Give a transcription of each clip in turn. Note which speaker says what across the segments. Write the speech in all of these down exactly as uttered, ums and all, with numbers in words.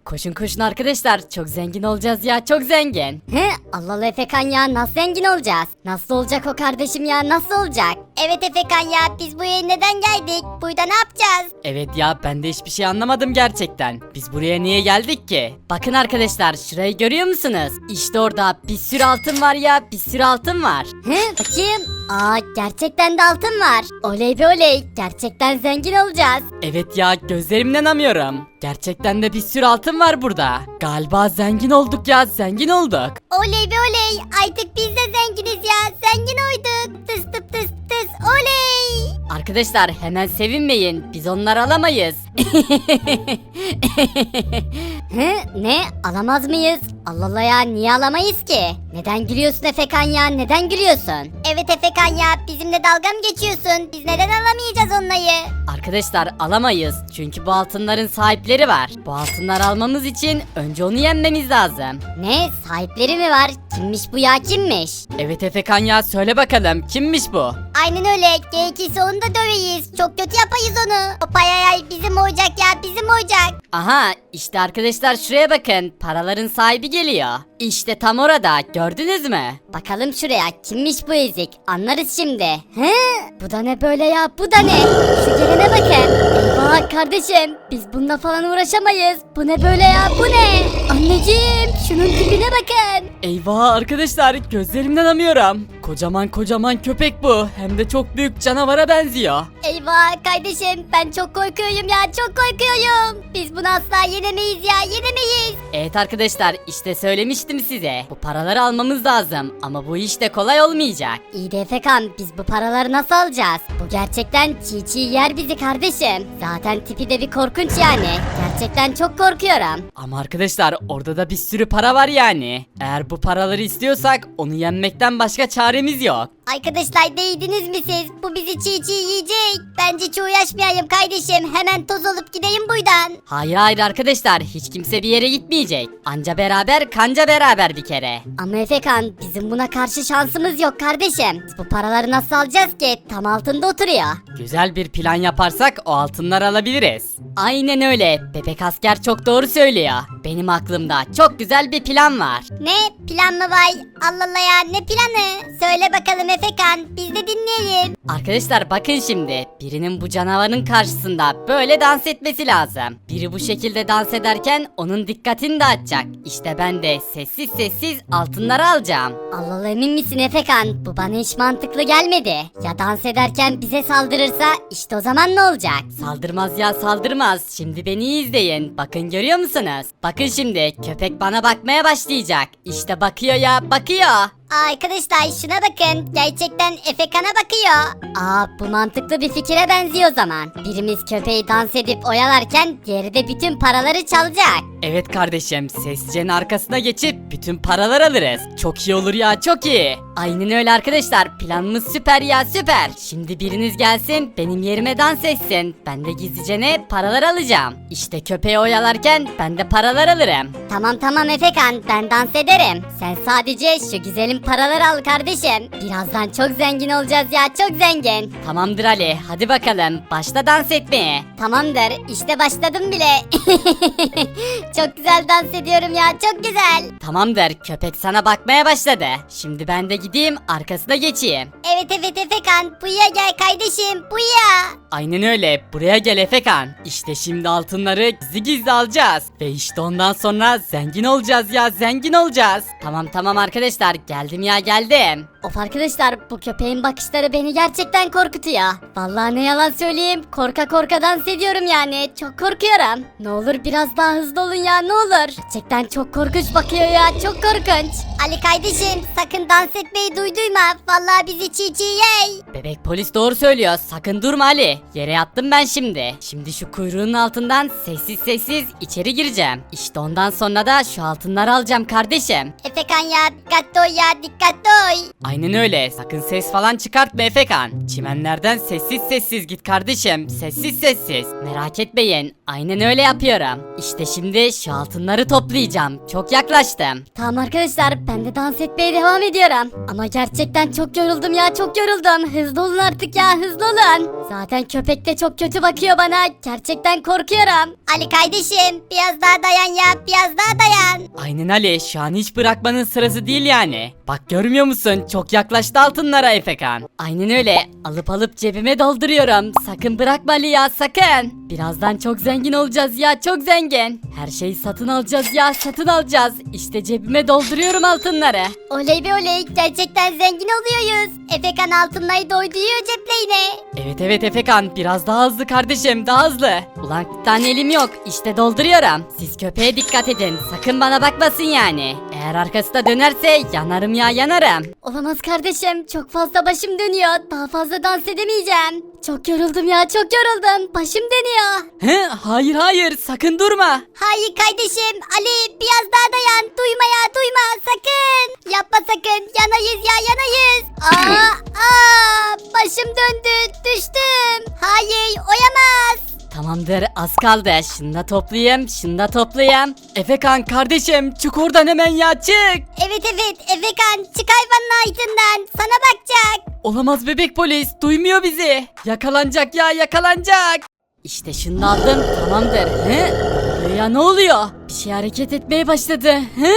Speaker 1: Koşun koşun arkadaşlar, çok zengin olacağız ya, çok zengin.
Speaker 2: He, Allah Allah Efekan ya, nasıl zengin olacağız? Nasıl olacak o kardeşim ya, nasıl olacak? Evet Efekan ya, biz buraya neden geldik? Burada ne yapacağız?
Speaker 1: Evet ya, ben de hiçbir şey anlamadım gerçekten. Biz buraya niye geldik ki? Bakın arkadaşlar, şurayı görüyor musunuz? İşte orada bir sürü altın var ya, bir sürü altın var.
Speaker 2: He, bakayım. Aa, gerçekten de altın var. Oley be oley, gerçekten zengin olacağız.
Speaker 1: Evet ya, gözlerimden inanamıyorum. Gerçekten de bir sürü altın var burada. Galiba zengin olduk ya, zengin olduk.
Speaker 2: Oley be oley, artık biz de zenginiz ya, zengin olduk. Tıs tıs tıs tıs, oley.
Speaker 1: Arkadaşlar hemen sevinmeyin, biz onları alamayız.
Speaker 2: He, ne, alamaz mıyız? Allah Allah ya, niye alamayız ki? Neden gülüyorsun Efekan ya, neden gülüyorsun? Evet Efekan ya, bizimle dalga mı geçiyorsun? Biz neden alamayacağız onları?
Speaker 1: Arkadaşlar alamayız, çünkü bu altınların sahipleri var. Bu altınları almamız için önce onu yenmemiz lazım.
Speaker 2: Ne, sahipleri mi var? Kimmiş bu ya, kimmiş?
Speaker 1: Evet Efekan ya, söyle bakalım, kimmiş bu?
Speaker 2: Aynen öyle, gerekirse onu da döveyiz. Çok kötü yapayız onu. O payayay bizim olacak ya, bizim olacak.
Speaker 1: Aha, işte arkadaşlar şuraya bakın, paraların sahibi geliyor. İşte tam orada, gördünüz mü?
Speaker 2: Bakalım şuraya, kimmiş bu ezik? Anlarız şimdi. He? Bu da ne böyle ya, bu da ne? Şu gelene bakın. Eyvah kardeşim, biz bununla falan uğraşamayız. Bu ne böyle ya, bu ne? Anneciğim, şunun tipine bakın.
Speaker 1: Eyvah arkadaşlar, gözlerimden inanamıyorum. Kocaman kocaman köpek bu, hem de çok büyük canavara benziyor.
Speaker 2: Eyvah kardeşim, ben çok korkuyorum ya, çok korkuyorum. Biz bunu asla yenemeyiz ya, yenemeyiz.
Speaker 1: Evet arkadaşlar, işte söylemiştim size. Bu paraları almamız lazım ama bu iş de kolay olmayacak.
Speaker 2: İyi de Efekan, biz bu paraları nasıl alacağız? Bu gerçekten çiğ çiğ yer bizi kardeşim. Zaten tipi de bir korkunç yani. Gerçekten çok korkuyorum.
Speaker 1: Ama arkadaşlar, orada da bir sürü para var yani. Eğer bu paraları istiyorsak onu yenmekten başka çaremiz yok.
Speaker 2: Arkadaşlar, değdiniz mi siz? Bu bizi çiğ çiğ yiyecek. Bence hiç uğraşmayayım kardeşim. Hemen toz olup gideyim buradan.
Speaker 1: Hayır hayır arkadaşlar, hiç kimse bir yere gitmeyecek. Anca beraber kanca beraber bir kere.
Speaker 2: Ama Efekan, bizim buna karşı şansımız yok kardeşim. Biz bu paraları nasıl alacağız ki? Tam altında oturuyor.
Speaker 1: Güzel bir plan yaparsak o altınları alabiliriz. Aynen öyle, bebek asker çok doğru söylüyor. Benim aklımda çok güzel bir plan var.
Speaker 2: Ne? Plan mı var? Allah Allah ya, ne planı? Söyle bakalım Efekan, biz de dinleyelim.
Speaker 1: Arkadaşlar bakın şimdi, birinin bu canavarın karşısında böyle dans etmesi lazım. Biri bu şekilde dans ederken onun dikkatini dağıtacak. İşte ben de sessiz sessiz altınları alacağım.
Speaker 2: Allah Allah, emin misin Efekan? Bu bana hiç mantıklı gelmedi. Ya dans ederken bize saldırırsa, işte o zaman ne olacak?
Speaker 1: Saldırmaz ya, saldırmaz. Şimdi beni iyi izleyin. Bakın görüyor musunuz? Bakın şimdi, köpek bana bakmaya başlayacak. İşte bakıyor ya, bakıyor.
Speaker 2: Aa, arkadaşlar şuna bakın, gerçekten Efekan'a bakıyor. Aa, bu mantıklı bir fikire benziyor o zaman. Birimiz köpeği dans edip oyalarken diğeri de bütün paraları çalacak.
Speaker 1: Evet kardeşim, sessizcenin arkasına geçip bütün paralar alırız. Çok iyi olur ya, çok iyi. Aynen öyle arkadaşlar, planımız süper ya, süper. Şimdi biriniz gelsin, benim yerime dans etsin. Ben de gizlice ne paralar alacağım. İşte köpeği oyalarken ben de paralar alırım.
Speaker 2: Tamam tamam Efekan, ben dans ederim. Sen sadece şu güzelim paraları al kardeşim. Birazdan çok zengin olacağız ya, çok zengin.
Speaker 1: Tamamdır Ali, hadi bakalım başla dans etmeye.
Speaker 2: Tamamdır, işte başladım bile. Çok güzel dans ediyorum ya, çok güzel.
Speaker 1: Tamamdır, köpek sana bakmaya başladı. Şimdi ben de gideyim arkasına geçeyim.
Speaker 2: Evet evet Efekan, buraya gel kardeşim, buraya.
Speaker 1: Aynen öyle, buraya gel Efekan. İşte şimdi altınları gizli gizli alacağız. Ve işte ondan sonra zengin olacağız ya, zengin olacağız. Tamam tamam arkadaşlar, geldim ya, geldim.
Speaker 2: Of arkadaşlar, bu köpeğin bakışları beni gerçekten korkutuyor. Vallahi ne yalan söyleyeyim, korka korka dans ediyorum yani, çok korkuyorum. Ne olur biraz daha hızlı olun ya, ne olur. Gerçekten çok korkunç bakıyor ya, çok korkunç. Ali kardeşim, sakın dans etmeyi duyduyma, vallahi bizi çiğ çiğ yey.
Speaker 1: Bebek polis doğru söylüyor, sakın durma Ali. Yere yattım ben şimdi. Şimdi şu kuyruğun altından sessiz sessiz içeri gireceğim. İşte ondan sonra da şu altınları alacağım kardeşim.
Speaker 2: Efekan ya, dikkatli ol ya, dikkatli ol.
Speaker 1: Aynen öyle, sakın ses falan çıkartma Efekan. Çimenlerden sessiz sessiz git kardeşim, sessiz sessiz. Merak etmeyin, aynen öyle yapıyorum. İşte şimdi şu altınları toplayacağım, çok yaklaştım.
Speaker 2: Tamam arkadaşlar, ben de dans etmeye devam ediyorum. Ama gerçekten çok yoruldum ya, çok yoruldum. Hızlı olun artık ya, hızlı olun. Zaten köpek de çok kötü bakıyor bana. Gerçekten korkuyorum. Ali kardeşim biraz daha dayan ya biraz daha dayan.
Speaker 1: Aynen Ali, şu an hiç bırakmanın sırası değil yani. Bak görmüyor musun? Çok yaklaştı altınlara Efekan. Aynen öyle. Alıp alıp cebime dolduruyorum. Sakın bırakma Ali ya, sakın. Birazdan çok zengin olacağız ya, çok zengin. Her şeyi satın alacağız ya, satın alacağız. İşte cebime dolduruyorum altınları.
Speaker 2: Oley be oley gerçekten zengin oluyoruz. Efekan altınları doyduruyor cepleğine.
Speaker 1: Evet evet Efekan, biraz daha hızlı kardeşim, daha hızlı. Ulan bir tane elim yok, işte dolduruyorum. Siz köpeğe dikkat edin, sakın bana bakmasın yani. Eğer arkası da dönerse yanarım ya, yanarım.
Speaker 2: Olamaz kardeşim çok fazla başım dönüyor. Daha fazla dans edemeyeceğim. Çok yoruldum ya çok yoruldum. Başım dönüyor.
Speaker 1: He, hayır hayır, sakın durma.
Speaker 2: Hayır kardeşim Ali biraz daha dayan. Duyma ya duyma sakın. Yapma sakın yanayız ya yanayız. Aa, aa, başım döndü düştüm. Hayır oyamaz.
Speaker 1: Tamamdır, az kaldı. Şunu da toplayayım, şunu da toplayayım. Efekan kardeşim, çık oradan hemen ya, çık.
Speaker 2: Evet evet Efekan çık hayvanın altından sana bakacak.
Speaker 1: Olamaz bebek polis, duymuyor bizi. Yakalanacak ya, yakalanacak. İşte şunu da aldım, tamamdır. He? Ya ne oluyor? Bir şey hareket etmeye başladı. He?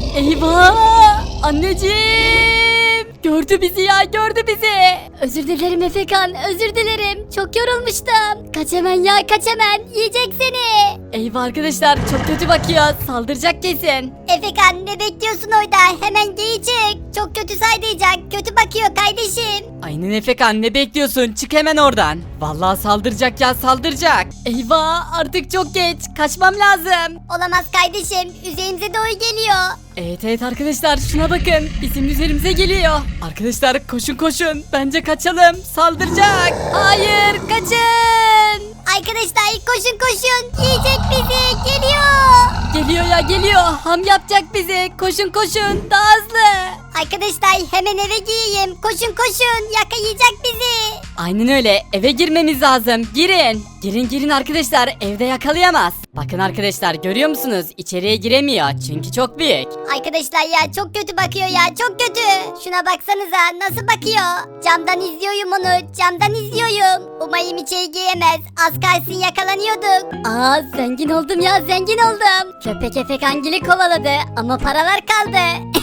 Speaker 1: Eyvah! Anneciğim! Gördü bizi ya, gördü bizi.
Speaker 2: Özür dilerim Efekan özür dilerim. Çok yorulmuştum. Kaç hemen ya kaç hemen yiyecek seni.
Speaker 1: Eyvah arkadaşlar, çok kötü bakıyor. Saldıracak kesin.
Speaker 2: Efekan ne bekliyorsun orada? Hemen geri çık. Çok kötü saydıracak. Kötü bakıyor kardeşim.
Speaker 1: Aynen Efekan, ne bekliyorsun? Çık hemen oradan. Vallahi saldıracak ya, saldıracak. Eyvah, artık çok geç. Kaçmam lazım.
Speaker 2: Olamaz kardeşim. Üzerimize doğru geliyor.
Speaker 1: Evet evet arkadaşlar, şuna bakın. Bizim üzerimize geliyor. Arkadaşlar koşun koşun. Bence kaçalım. Saldıracak. Hayır, kaçın.
Speaker 2: Arkadaşlar koşun koşun. Yiyecek bizi. Geliyor.
Speaker 1: Geliyor ya, geliyor. Ham yapacak bizi. Koşun koşun. Daha hızlı.
Speaker 2: Arkadaşlar hemen eve gireyim. Koşun koşun. Yakalayacak bizi.
Speaker 1: Aynen öyle. Eve girmemiz lazım. Girin. Girin girin arkadaşlar. Evde yakalayamaz. Bakın arkadaşlar, görüyor musunuz? İçeriye giremiyor. Çünkü çok büyük.
Speaker 2: Arkadaşlar ya çok kötü bakıyor ya çok kötü. Şuna baksanıza nasıl bakıyor. Camdan izliyorum onu camdan izliyorum. Umarım içeri giremez. Az kalsın yakalanıyorduk. Aa zengin oldum ya zengin oldum. Köpek Efekangil'i kovaladı ama paralar kaldı.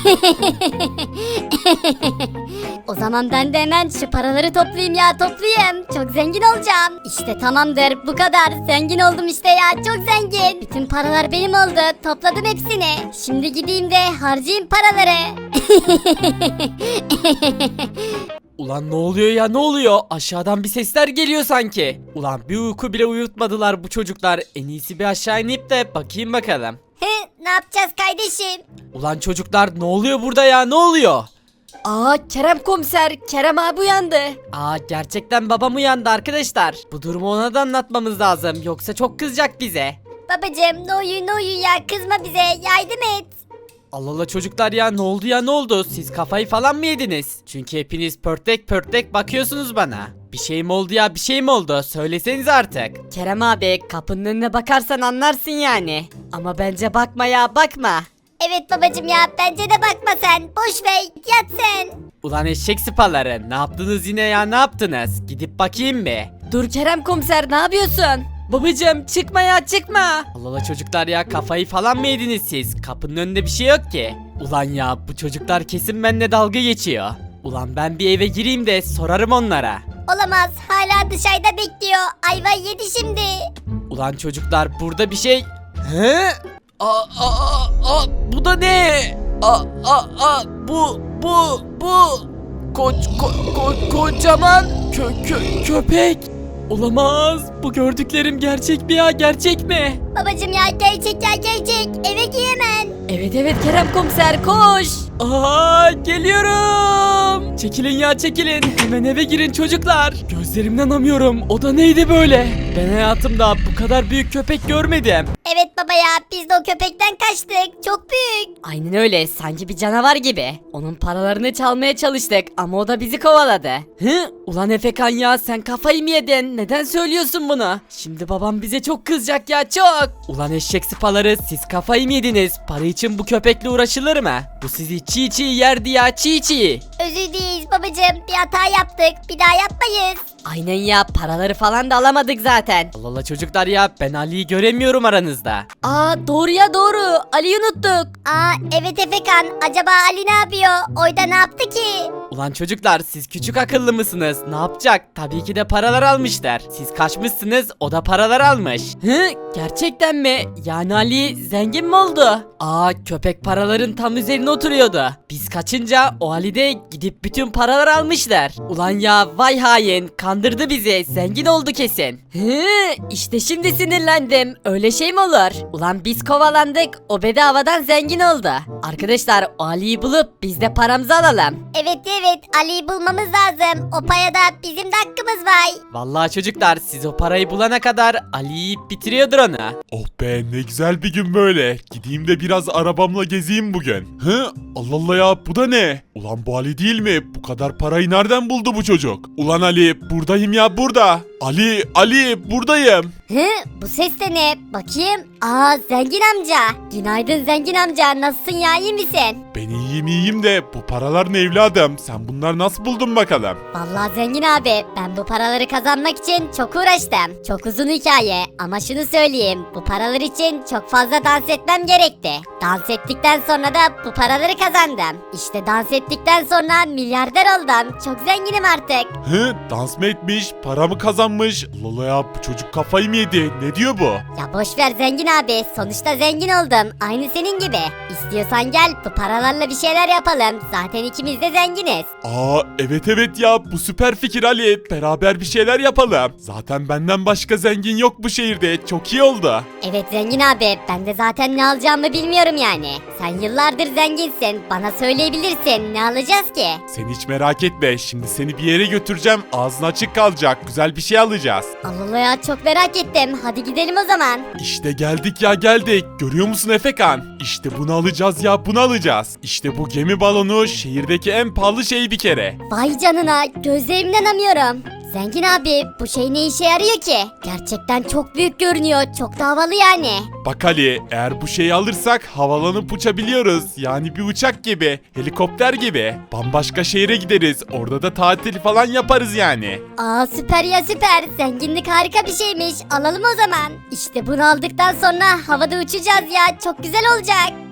Speaker 2: O zaman ben de hemen şu paraları toplayayım ya toplayayım. Çok zengin olacağım. İşte tamamdır bu kadar. Zengin oldum işte ya çok zengin. Bütün paralar benim oldu. Topladım hepsini. Şimdi gideyim de harcayayım paraları.
Speaker 3: Ulan ne oluyor ya, ne oluyor? Aşağıdan bir sesler geliyor sanki. Ulan bir uyku bile uyutmadılar bu çocuklar. En iyisi bir aşağı inip de bakayım bakalım.
Speaker 2: He, ne yapacağız kardeşim?
Speaker 3: Ulan çocuklar, ne oluyor burada ya, ne oluyor?
Speaker 1: Aa, Kerem komiser. Kerem abi uyandı.
Speaker 3: Aa, gerçekten babam uyandı arkadaşlar. Bu durumu ona da anlatmamız lazım, yoksa çok kızacak bize.
Speaker 2: Babacım ne oluyor ne oluyor ya kızma bize yardım et.
Speaker 3: Allah Allah çocuklar ya, ne oldu ya, ne oldu? Siz kafayı falan mı yediniz? Çünkü hepiniz pörtek pörtek bakıyorsunuz bana. Bir şey mi oldu ya, bir şey mi oldu? Söyleseniz artık.
Speaker 1: Kerem abi, kapının önüne bakarsan anlarsın yani. Ama bence bakma ya, bakma.
Speaker 2: Evet babacım ya bence de bakma sen boş ver yat sen.
Speaker 3: Ulan eşek sıpaları, ne yaptınız yine ya, ne yaptınız? Gidip bakayım bir.
Speaker 1: Dur Kerem komiser, ne yapıyorsun? Babacım çıkma ya, çıkma.
Speaker 3: Allah Allah çocuklar ya, kafayı falan mı yediniz siz? Kapının önünde bir şey yok ki. Ulan ya, bu çocuklar kesin benimle dalga geçiyor. Ulan ben bir eve gireyim de sorarım onlara.
Speaker 2: Olamaz hala dışarıda bekliyor ayva yedi şimdi.
Speaker 3: Ulan çocuklar, burada bir şey... He? Aa, aa, aa, bu da ne? Aa, aa, aa, bu, bu, bu... Ko, ko, ko, kocaman kö, kö, köpek. Olamaz. Bu gördüklerim gerçek mi ya, gerçek mi?
Speaker 2: Babacım ya gerçek ya gerçek eve gir hemen.
Speaker 1: Evet evet Kerem komiser, koş.
Speaker 3: Aa, geliyorum. Çekilin ya, çekilin. Hemen eve girin çocuklar. Gözlerimden inanamıyorum. O da neydi böyle? Ben hayatımda bu kadar büyük köpek görmedim.
Speaker 2: Evet baba ya biz de o köpekten kaçtık. Çok büyük.
Speaker 1: Aynen öyle, sanki bir canavar gibi. Onun paralarını çalmaya çalıştık ama o da bizi kovaladı.
Speaker 3: Hı? Ulan Efekan ya, sen kafayı mı yedin? Neden söylüyorsun bunu? Şimdi babam bize çok kızacak ya, çok. Ulan eşek sıpaları, siz kafayı mı yediniz? Para için bu köpekle uğraşılır mı? Bu sizi çiğ çiğ yerdi ya, çiğ çiğ.
Speaker 2: Özür dileriz babacığım. Bir hata yaptık. Bir daha yapmayız.
Speaker 1: Aynen ya, paraları falan da alamadık zaten.
Speaker 3: Allah Allah çocuklar ya, ben Ali'yi göremiyorum aranızda.
Speaker 1: Aa doğru ya doğru, Ali'yi unuttuk.
Speaker 2: Aa evet Efekan. Acaba Ali ne yapıyor? Oyda ne yaptı ki?
Speaker 3: Ulan çocuklar, siz küçük akıllı mısınız? Ne yapacak? Tabii ki de paralar almışlar. Siz kaçmışsınız, o da paralar almış. Hı? Gerçekten mi? Yani Ali zengin mi oldu? Aa, köpek paraların tam üzerine oturuyordu. Biz kaçınca o Ali de gidip bütün paraları almışlar. Ulan ya, vay hain, kandırdı bizi, zengin oldu kesin.
Speaker 1: Hı, işte şimdi sinirlendim. Öyle şey mi olur? Ulan biz kovalandık, o bedavadan zengin oldu. Arkadaşlar, o Ali'yi bulup biz de paramızı alalım.
Speaker 2: Evet evet Ali'yi bulmamız lazım. O paya da bizim de hakkımız var.
Speaker 3: Vallahi çocuklar, siz o parayı bulana kadar Ali yiyip bitiriyordur onu.
Speaker 4: Oh be, ne güzel bir gün böyle. Gideyim de biraz arabamla gezeyim bugün. Hı? Allah Allah ya, bu da ne? Ulan bu Ali değil mi? Bu kadar parayı nereden buldu bu çocuk? Ulan Ali, buradayım ya, burada. Ali, Ali, buradayım.
Speaker 2: Hı? Bu ses de ne? Bakayım. Aa zengin amca. Günaydın zengin amca. Nasılsın ya, iyi misin?
Speaker 4: Ben iyiyim iyiyim de bu paralar ne evladım? Sen bunları nasıl buldun bakalım?
Speaker 2: Vallahi zengin abi ben bu paraları kazanmak için çok uğraştım. Çok uzun hikaye ama şunu söyleyeyim. Bu paralar için çok fazla dans etmem gerekti. Dans ettikten sonra da bu paraları kazandım. İşte dans ettikten sonra milyarder oldum. Çok zenginim artık.
Speaker 4: Hı? Dans mı etmiş? Para mı kazanmış? Allah Allah ya, bu çocuk kafayı mı yedi? Ne diyor bu?
Speaker 2: Ya boş ver zengin abi. Sonuçta zengin oldum. Aynı senin gibi. İstiyorsan gel bu paralarla bir şeyler yapalım. Zaten ikimiz de zenginiz.
Speaker 4: Aa, evet evet ya, bu süper fikir Ali. Beraber bir şeyler yapalım. Zaten benden başka zengin yok bu şehirde. Çok iyi oldu.
Speaker 2: Evet zengin abi ben de zaten ne alacağımı bilmiyorum yani. Sen yıllardır zenginsin. Bana söyleyebilirsin. Ne alacağız ki?
Speaker 4: Sen hiç merak etme. Şimdi seni bir yere götüreceğim. Ağzın açık kalacak. Güzel bir şey alacağız.
Speaker 2: Allah Allah ya çok merak ettim. Hadi gidelim o zaman.
Speaker 4: İşte geldik ya geldik. Görüyor musun Efekan? İşte bunu alacağız ya, bunu alacağız. İşte bu gemi balonu şehirdeki en pahalı şey bir kere.
Speaker 2: Vay canına gözlerimden inanamıyorum. Zengin abi bu şey ne işe yarıyor ki? Gerçekten çok büyük görünüyor. Çok da havalı yani.
Speaker 4: Bak Ali, eğer bu şeyi alırsak havalanıp uçabiliyoruz. Yani bir uçak gibi, helikopter gibi. Bambaşka şehre gideriz. Orada da tatil falan yaparız yani.
Speaker 2: Aa süper ya süper. Zenginlik harika bir şeymiş. Alalım o zaman. İşte bunu aldıktan sonra havada uçacağız ya. Çok güzel olacak.